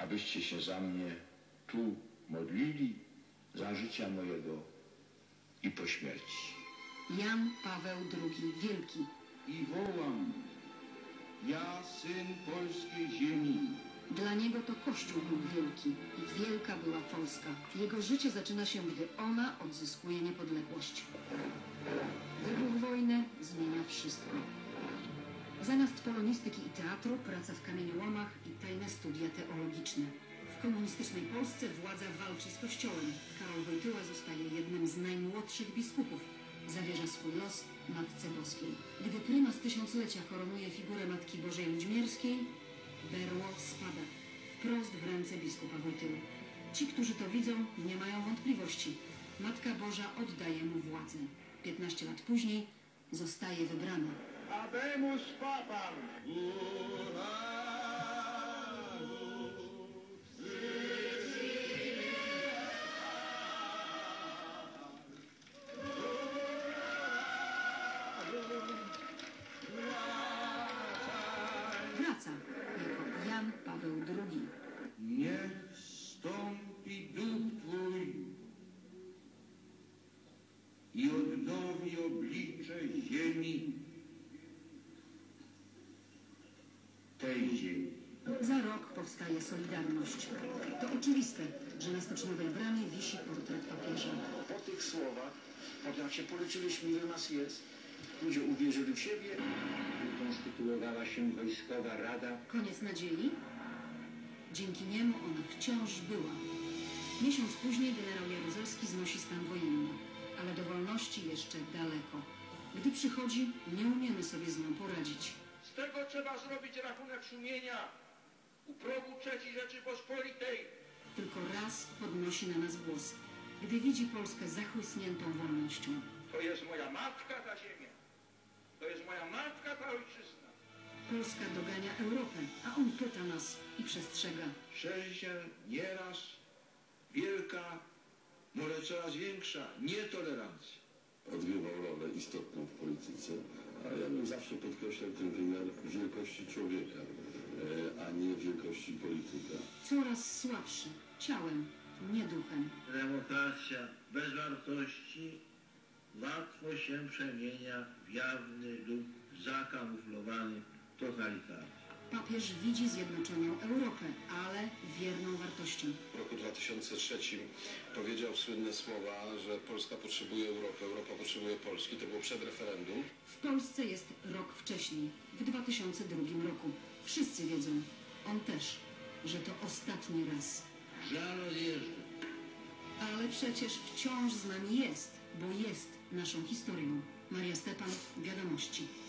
abyście się za mnie tu modlili, za życia mojego i po śmierci. Jan Paweł II Wielki. I wołam, ja syn polskiej ziemi. Dla niego to Kościół był wielki i wielka była Polska. Jego życie zaczyna się, gdy ona odzyskuje niepodległość. Wybuch wojny zmienia wszystko. Zamiast polonistyki i teatru, praca w kamieniołomach i tajne studia teologiczne. W komunistycznej Polsce władza walczy z Kościołem. Karol Wojtyła zostaje jednym z najmłodszych biskupów. Zawierza swój los Matce Boskiej. Gdy prymas tysiąclecia koronuje figurę Matki Bożej Ludźmierskiej, berło spada wprost w ręce biskupa Wojtyły. Ci, którzy to widzą, nie mają wątpliwości. Matka Boża oddaje mu władzę. 15 lat później zostaje wybrana. Habemus Papam! Wraca jako Jan Paweł II. Niech stąpi duch Twój i odnowi oblicze ziemi, tej ziemi. Za rok powstaje Solidarność. To oczywiste, że na Stoczniowej Bramie wisi portret papieża. Po tych słowach, jak się policzyliśmy, ile nas jest, ludzie uwierzyli w siebie. Konstytuowała się Wojskowa Rada. Koniec nadziei? Dzięki niemu ona wciąż była. Miesiąc później generał Jaruzelski znosi stan wojenny, ale do wolności jeszcze daleko. Gdy przychodzi, nie umiemy sobie z nią poradzić. Z tego trzeba zrobić rachunek sumienia u progu III Rzeczypospolitej. Tylko raz podnosi na nas głos, gdy widzi Polskę zachłysniętą wolnością. To jest moja matka ta ziemia. To jest moja matka ta ojczyzna. Polska dogania Europę, a on pyta nas i przestrzega. Szerzy się nieraz wielka, może coraz większa nietolerancja. Odgrywał rolę istotną w polityce, a ja bym zawsze podkreślał ten wymiar wielkości człowieka, a nie wielkości polityka. Coraz słabszy, ciałem, nie duchem. Demokracja bez wartości łatwo się przemienia w jawny lub zakamuflowany totalitaryzm. Papież widzi zjednoczoną Europę, ale wierną wartościom. W roku 2003 powiedział słynne słowa, że Polska potrzebuje Europy, Europa potrzebuje Polski. To było przed referendum. W Polsce jest rok wcześniej, w 2002 roku. Wszyscy wiedzą, on też, że to ostatni raz. Żal odjeżdża. Ale przecież wciąż z nami jest, bo jest naszą historią. Maria Stepan, Wiadomości.